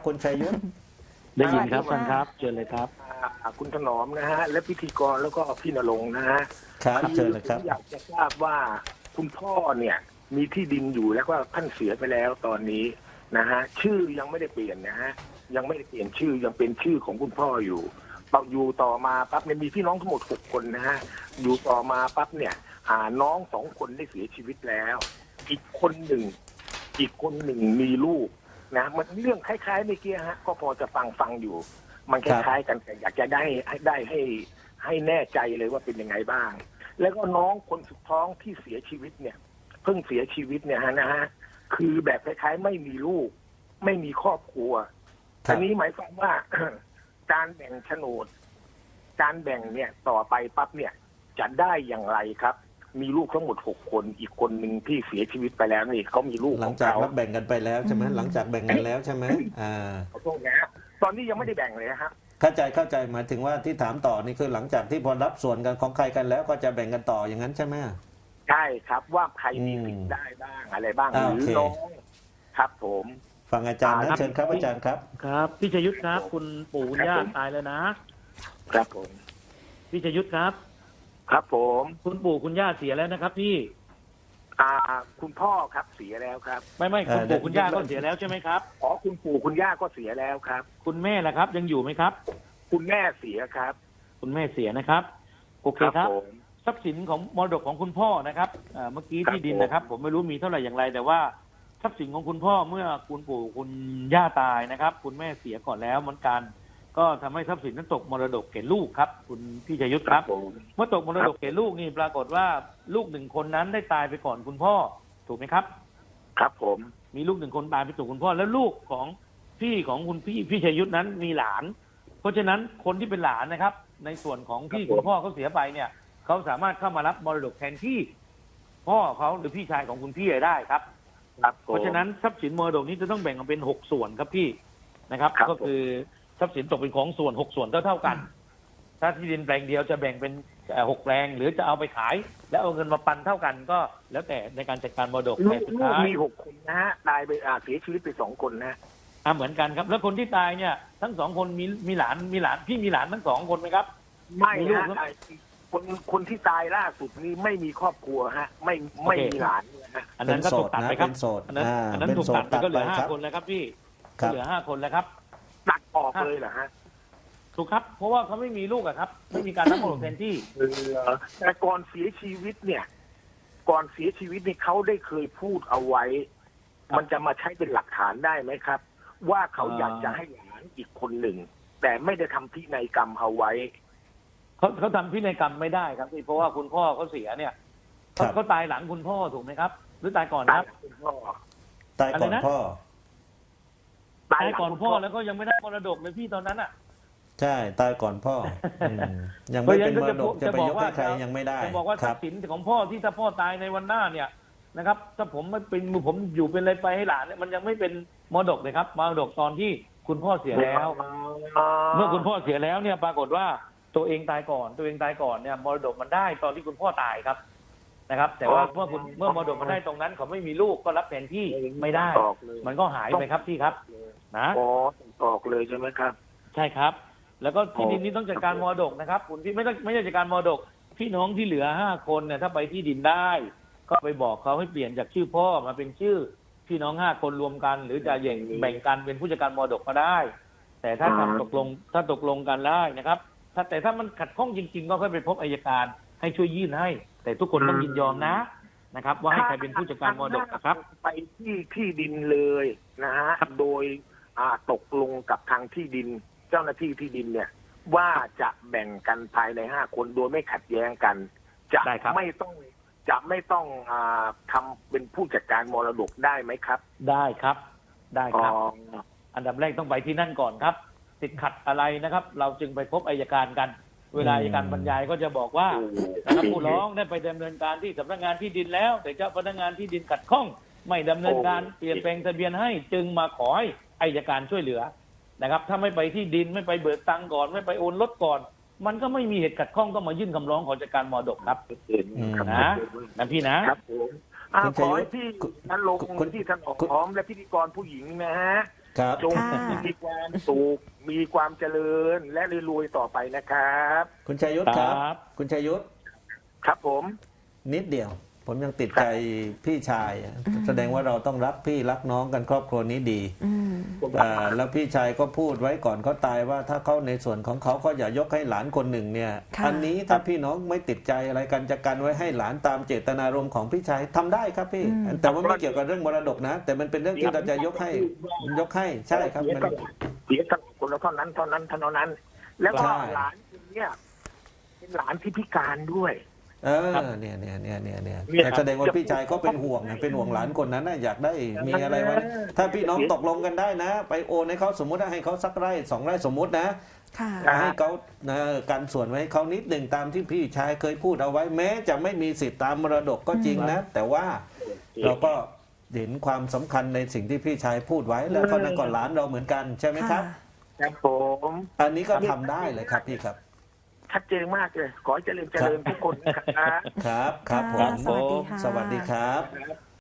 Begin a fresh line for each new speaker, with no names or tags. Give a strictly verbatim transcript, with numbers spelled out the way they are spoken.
คุณชัยยุทธ
ได้ยินครับท่านครับเชิญเลยครับ
คุณถนอมนะฮะและพิธีกรแล้วก็พี่ณรงค์นะฮะ
ครับเชิญเลยครับ
อยากจะทราบว่าคุณพ่อเนี่ยมีที่ดินอยู่แล้วก็ท่านเสียไปแล้วตอนนี้นะฮะชื่อยังไม่ได้เปลี่ยนนะฮะยังไม่ได้เปลี่ยนชื่อยังเป็นชื่อของคุณพ่ออยู่ต่ออยู่ต่อมาปั๊บเนี่ยมีพี่น้องทั้งหมดหกคนนะฮะอยู่ต่อมาปั๊บเนี่ยหาน้องสองคนได้เสียชีวิตแล้วอีกคนหนึ่งอีกคนหนึ่งมีลูกนะมันเรื่องคล้ายๆเมื่อกี้ฮะก็พอจะฟังฟังอยู่มันคล้ายๆกันแต่อยากจะได้ให้ได้ให้ให้แน่ใจเลยว่าเป็นยังไงบ้างแล้วก็น้องคนสุดท้องที่เสียชีวิตเนี่ยเพิ่งเสียชีวิตเนี่ยฮะนะฮะคือแบบคล้ายๆไม่มีลูกไม่มีครอบครัวอันนี้หมายความว่า การแบ่งโฉนดการแบ่งเนี่ยต่อไปปั๊บเนี่ยจะได้อย่างไรครับมีลูกทั้งหมดหกคนอีกคนหนึ่งที่เสียชีวิตไปแล้วนี่เขามีลูก
หลังจากรับแบ่งกันไปแล้วใช่ไหมหลังจากแบ่งกันแล้วใช่ไหมอ่า
ขอโทษนะตอนนี้ยังไม่ได้แบ่งเลยฮะ
เข้าใจเข้าใจหมายถึงว่าที่ถามต่อนี่คือหลังจากที่พอรับส่วนกันของใครกันแล้วก็จะแบ่งกันต่ออย่างนั้นใช่ไหม
ใช่ครับว่าใครมีสิทธิ์ได้บ้างอะไรบ้างหรือน้องครับผม
ฟังอาจารย์นะเชิญครับอาจารย์ครับ
ครับพี่ชยุทธครับคุณปู่คุณย่าตายแล้วนะครับ
ผม
พี่ชยุทธครับ
ครับผม
คุณปู่คุณย่าเสียแล้วนะครับพี่
อ่าคุณพ่อครับเสียแล้วครับ
ไม่ไม่คุณปู่คุณย่าก็เสียแล้วใช่ไหมครับ
อ๋อคุณปู่คุณย่าก็เสียแล้วครับ
คุณแม่ล่ะครับยังอยู่ไหมครับ
คุณแม่เสียครับ
คุณแม่เสียนะครับโอเคครับทรัพย์สินของมรดกของคุณพ่อนะครับเมื่อกี้ที่ดินนะครับผมไม่รู้มีเท่าไหร่อย่างไรแต่ว่าทรัพย์สินของคุณพ่อเมื่อคุณปู่คุณย่าตายนะครับคุณแม่เสียก่อนแล้วเหมือนกันก็ทำให้ทรัพย์สินนั้นตกมรดกแก่ลูกครับคุณพี่ชัยยุทธครับเมื่อตกมรดกแก่ลูกนี่ปรากฏว่าลูกหนึ่งคนนั้นได้ตายไปก่อนคุณพ่อถูกไหมครับ
ครับผม
มีลูกหนึ่งคนตายไปก่อนคุณพ่อแล้วลูกของพี่ของคุณพี่พี่ชัยยุทธนั้นมีหลานเพราะฉะนั้นคนที่เป็นหลานนะครับในส่วนของที่คุณพ่อเขาเสียไปเนี่ยเขาสามารถเข้ามารับมรดกแทนที่พ่อเขาหรือพี่ชายของคุณพี่ได้ครับเพราะฉะนั้นทรัพย์สินมรดกนี้จะต้องแบ่งออกเป็นหกส่วนครับพี่นะครับก็คือทรัพย์สินตกเป็นของส่วนหกส่วนเท่าเท่ากันถ้าที่ดินแปลงเดียวจะแบ่งเป็นหกแปลงหรือจะเอาไปขายแล้วเอาเงินมาปันเท่ากันก็แล้วแต่ในการจัดการมรดกแต่สุดท้าย
มีหกคนนะฮะตายไปอ่าเสียชีวิตไปสองคนนะ
อ่าเหมือนกันครับแล้วคนที่ตายเนี่ยทั้งสองคนมีมีหลานมีหลานพี่มีหลานทั้งสองคนไหมครับ
ไม่ฮะคนคนที่ตายล่าสุดนี้ไม่มีครอบครัวฮะไม่ไม่มีหลาน
อันนั้นก็ถูกตัดไปครับอันนั้นอันนั้นถูกตัดไปก็เหลือห้าคนแล้วครับพี่เหลือห้าคนแล้วครับ
ตัดออกเลยเหรอฮะ
ถูกครับเพราะว่าเขาไม่มีลูกอะครับไม่มีการรับมรดกแทนที่
แต่ก่อนเสียชีวิตเนี่ยก่อนเสียชีวิตนี่เขาได้เคยพูดเอาไว้มันจะมาใช้เป็นหลักฐานได้ไหมครับว่าเขาอยากจะให้หลานอีกคนหนึ่งแต่ไม่ได้ทำพินัยกรรมเอาไว้
เขาเขาทำพินัยกรรมไม่ได้ครับเพราะว่าคุณพ่อเขาเสียเนี่ยเขาเขาตายหลังคุณพ่อถูกไหมครับหรือตายก่อนครับ
คุณพ่อ
ตายก่อนพ่อ
ตายก่อนพ่อแล้วก็ยังไม่ได้มรดกเลยพี่ตอนนั้นอ่ะ
ใช่ตายก่อนพ่อยังไม่เป็นมรดกจะไปยกให้ใครยังไม่ได้
จะบอกว่าทรัพย์สินของพ่อที่ถ้าพ่อตายในวันหน้าเนี่ยนะครับถ้าผมไม่เป็นผมอยู่เป็นอะไรไปให้หลานเนี่ยมันยังไม่เป็นมรดกเลยครับมรดกตอนที่คุณพ่อเสียแล้วเมื่อคุณพ่อเสียแล้วเนี่ยปรากฏว่าตัวเองตายก่อนตัวเองตายก่อนเนี่ยมรดกมันได้ตอนที่คุณพ่อตายครับนะครับแต่ว่าเมื่อคุณเมื่อมรดกมันได้ตรงนั้นเขาไม่มีลูกก็รับแทนที่ไม่ได้มันก็หายไปครับพี่ครับนะ
อ๋อออกเลยใช่ไหมครับ
ใช่ครับแล้วก็ที่ดินนี้ต้องจัดการมรดกนะครับคุณพี่ไม่ต้องไม่ใช่จัดการมรดกพี่น้องที่เหลือห้าคนเนี่ยถ้าไปที่ดินได้ก็ไปบอกเขาให้เปลี่ยนจากชื่อพ่อมาเป็นชื่อพี่น้องห้าคนรวมกันหรือจะแบ่งแบ่งกันเป็นผู้จัดการมรดกก็ได้แต่ถ้าทำตกลงถ้าตกลงกันได้นะครับถ้าแต่ถ้ามันขัดข้องจริงๆก็ค่อยไปพบอัยการให้ช่วยยื่นให้แต่ทุกคนต้องยินยอมนะนะครับว่าให้ใครเป็นผู้จัดการมรดกนะครับ
ไปที่ที่ดินเลยนะฮะโดยอ่าตกลงกับทางที่ดินเจ้าหน้าที่ที่ดินเนี่ยว่าจะแบ่งกันภายในห้าคนโดยไม่ขัดแย้งกันจะไม่ต้องจะไม่ต้องอ่าทำเป็นผู้จัดการมรดกได้ไหมครับ
ได้ครับได้ครับอันดับแรกต้องไปที่นั่นก่อนครับติดขัดอะไรนะครับเราจึงไปพบอัยการกันเวลาอัยการบรรยายก็จะบอกว่านะครับผู้ร้องได้ไปดำเนินการที่สำนักงานที่ดินแล้วแต่เจ้าพนักงานที่ดินขัดข้องไม่ดำเนินการเปลี่ยนแปลงทะเบียนให้จึงมาขอให้อัยการช่วยเหลือนะครับถ้าไม่ไปที่ดินไม่ไปเบิกตังก่อนไม่ไปโอนรถก่อนมันก็ไม่มีเหตุขัดข้องก็มายื่นคำร้องขอจัดการมรดกครับนะนะพี่นะครับ
ผมขอให้พี่ท่านลงที่ท่านออกพร้อมและพิธีกรผู้หญิงนะฮะ
ครับ
จง
ค่ะ
มีความสุขมีความเจริญและรวยๆต่อไปนะครับ
คุณชัยยุทธครับ
ครับ
คุณชัยยุทธ
ครับผม
นิดเดียว ผมยังติดใจพี่ชายอะแสดงว่าเราต้องรักพี่รักน้องกันครอบครัวนี้ดี
อืม
อ่าแล้วพี่ชายก็พูดไว้ก่อนเขาตายว่าถ้าเขาในส่วนของเขาก็อย่ายกให้หลานคนหนึ่งเนี่ย
ค่ะ
อันนี้ถ้าพี่น้องไม่ติดใจอะไรกันจะกันไว้ให้หลานตามเจตนารมณ์ของพี่ชายทำได้ครับพี่ แต่ว่าไม่เกี่ยวกับเรื่องมรดกนะ แต่มันเป็นเรื่องที่เราจะยกให้ยกให้ใช่ครับ
เสีย
มัน
ก็เสียกันคนละเท่านั้นเท่านั้นเท่านั้น แล้วก็
ใช่
หลานคนเนี้ยเป็นหลานที่พิการด้วย
เออเนี่ยเนี่ยเนี่ยเนี่ยเนี่ย
เนี่ย
แสดงว่าพี่ชายก็เป็นห่วงนะเป็นห่วงหลานคนนั้นนะอยากได้มีอะไรไว้นะถ้าพี่น้องตกลงกันได้นะ ไปโอนให้เขาสมมุติว่าให้เขาสักไร่สองไร่สมมุตินะ
ค่ะ
ให้เขานะกันส่วนไว้ให้เขานิดหนึ่งตามที่พี่ชายเคยพูดเอาไว้ แม้จะไม่มีสิทธิ์ตามมรดกก็จริงนะ แต่ว่าเราก็เห็นความสำคัญในสิ่งที่พี่ชายพูดไว้แล้วเขานั่นก็หลานเราเหมือนกันใช่ไหมครับ
ครับผม
อันนี้ก็ทำได้เลยครับพี่ครับ
ชัดเจนมากเลย ขอให้เจริญเจริญทุกคนนะครับ
ครับครับผ
ค่ะ
ม
สวัสดีค่ะ
สวัสดีครับ
ครับ